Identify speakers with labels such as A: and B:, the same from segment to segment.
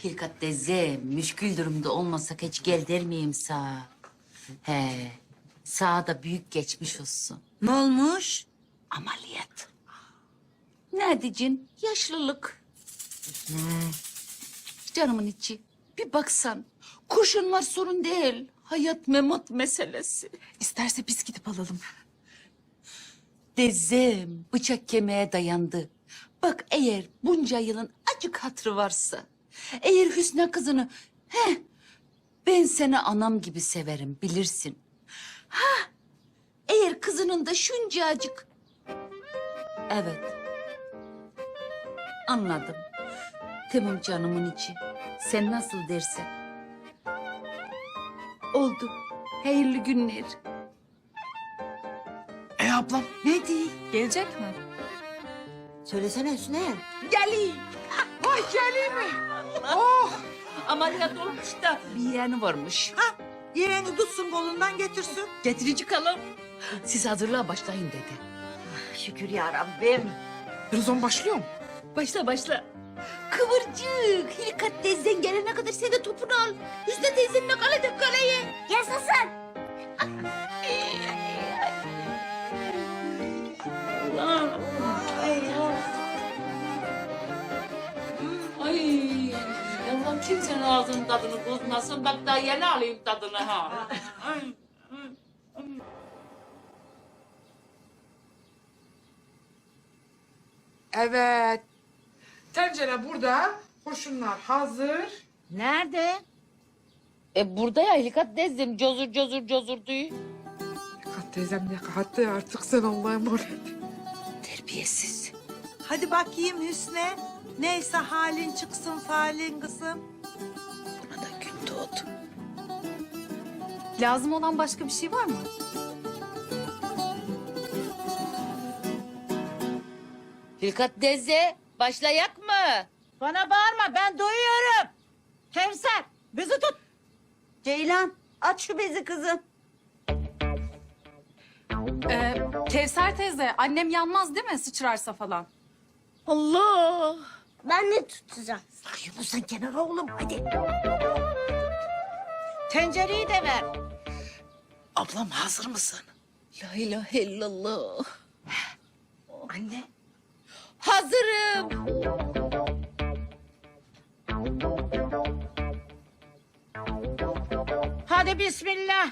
A: Hilkat teyze, müşkül durumda olmasak hiç gel der miyim sağa? He, sağa da büyük geçmiş olsun.
B: Ne olmuş?
A: Ameliyat. Ne diyeceksin? Yaşlılık. Canımın içi. Bir baksan. Kurşun var sorun değil. Hayat memat meselesi.
C: İsterse biz gidip alalım.
A: Dezem bıçak kemiğe dayandı. Bak eğer bunca yılın acık hatırı varsa. Eğer Hüsnü kızını... Ben seni anam gibi severim bilirsin. Eğer kızının da şuncacık... Evet. Anladım. Tamam canımın içi. Sen nasıl dersen. Oldu. Hayırlı günler.
D: Ablam.
B: Ne değil?
C: Gelecek mi?
B: Söylesene Hüsnü.
A: Geleyim.
D: Vay geleyim mi?
A: Ameliyat olmuş da bir yeğeni varmış.
B: Yeğeni tutsun kolundan getirsin.
A: Getirici kalalım. Siz hazırlığa başlayın dedi.
B: Şükür ya Rabbim.
D: Rızon başlıyor mu?
A: Başla başla. Kıvırcık. Hilkat teyzen gelene kadar sen de topunu al. Hüsnü teyzenle kalede kaleye. Yaşasın. Allah. Ay. Allah'ım kimsenin ağzının tadını bozmasın. Bak daha yeni alayım tadını ha.
D: Evet. Tencere burada. Kurşunlar hazır.
B: Nerede?
A: Burada ya Hilkat teyzem cozur cozur cozur diyor.
D: Kat teyzem ne kattı artık sen Allah'a emanet.
A: Terbiyesiz.
B: Hadi bakayım Hüsnü. Neyse halin çıksın falin kızım.
A: Buna da gün doğdu.
C: Lazım olan başka bir şey var mı?
A: Hilkat teyze başlayak mı?
B: Bana bağırma ben duyuyorum. Kevser bizi tut. Ceylan aç şu bezi kızım.
C: Kevser teyze, annem yanmaz değil mi sıçrarsa falan?
A: Allah.
E: Ben de tutacağım.
B: Yunus sen kenara oğlum hadi. Tencereyi de ver.
D: Ablam hazır mısın?
A: La ilahe illallah.
B: Anne.
A: Hazırım.
B: Hadi bismillah.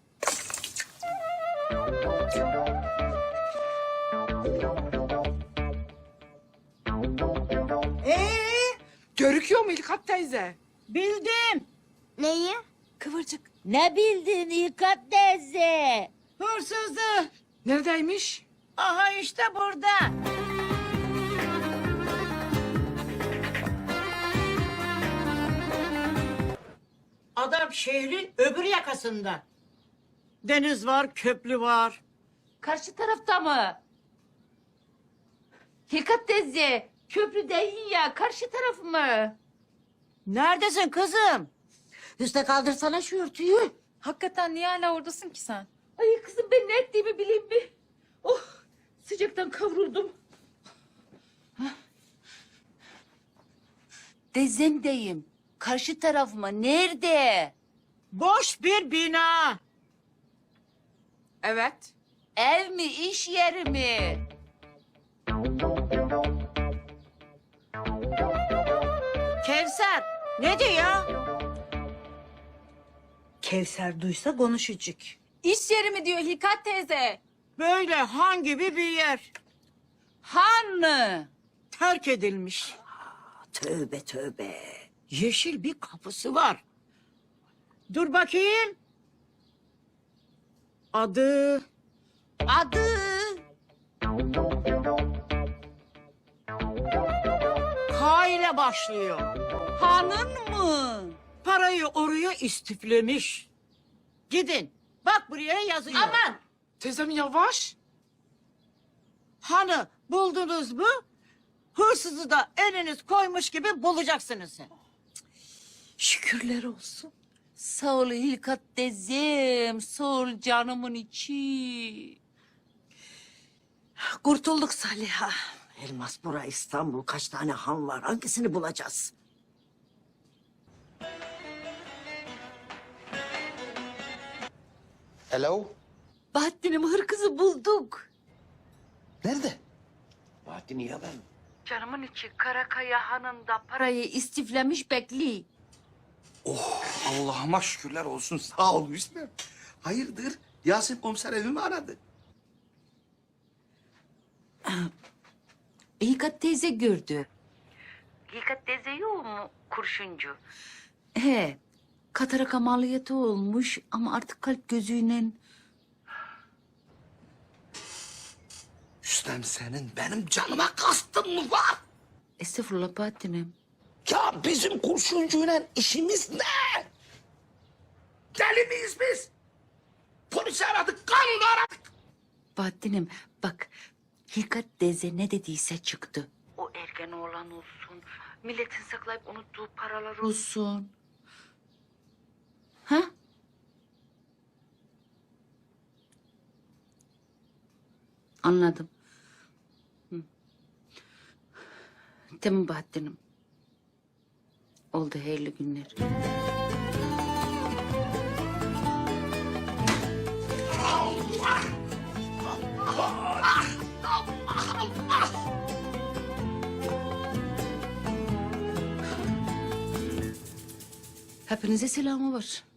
D: Görüküyor mu İlkat teyze?
B: Bildim.
E: Neyi?
C: Kıvırcık.
A: Ne bildin Hilkat teyze?
B: Hırsızı.
D: Neredeymiş?
B: Aha işte burada. Adam şehrin öbür yakasında. Deniz var, köprü var.
A: Karşı tarafta mı? Hilkat teyze köprü değil ya karşı taraf mı?
B: Neredesin kızım? Üste kaldırsana şu örtüyü.
C: Hakikaten niye hala oradasın ki sen?
A: Ay kızım ben ne ettiğimi bileyim mi? Oh sıcaktan kavruldum. Teyzemdeyim. Karşı taraf mı? Nerede?
B: Boş bir bina.
D: Evet.
A: Ev mi, iş yeri mi?
B: Kevser, ne diyor? Kevser duysa konuşacak.
C: İş yeri mi diyor Hilkat teyze?
B: Böyle han gibi bir yer.
A: Han mı?
B: Terk edilmiş. Tövbe tövbe. Yeşil bir kapısı var. Dur bakayım. Adı
A: Adı?
B: K ile başlıyor.
A: Hanın mı?
B: Parayı oraya istiflemiş. Gidin. Bak buraya yazıyor.
A: Aman!
D: Teyzem yavaş.
B: Hanı buldunuz mu? Hırsızı da eliniz koymuş gibi bulacaksınız.
A: Şükürler olsun. Sağ ol Hilkat teyzem, sağ ol canımın içi.
B: Kurtulduk Saliha. Elmas bura İstanbul kaç tane han var hangisini bulacağız?
F: Hello?
A: Bahattin'im hırkızı bulduk.
F: Nerede? Bahattin iyi haber mi?
A: Canımın içi Karakaya Hanı'nda parayı istiflemiş bekli.
F: Allah'ıma şükürler olsun. Sağ ol Hüsnü. Hayırdır? Yasin komiser evimi aradı.
A: Hilkat teyze gördü. Hilkat teyze yok mu kurşuncu? He, katarak ameliyatı olmuş ama artık kalp gözüyle...
F: Hüsnem senin benim canıma kastın mı var?
A: Estağfurullah Bahattin'im.
F: Ya bizim kurşuncuyla işimiz ne? Deli miyiz biz? Polisi aradık, kanunu aradık.
A: Bahattin'im bak, Hilkat teyze ne dediyse çıktı. O ergen oğlan olsun, milletin saklayıp unuttuğu paralar olsun. Ha? Anladım. Hı. Tamam Bahattin'im. Oldu hayırlı günler. Hepinize selamı var.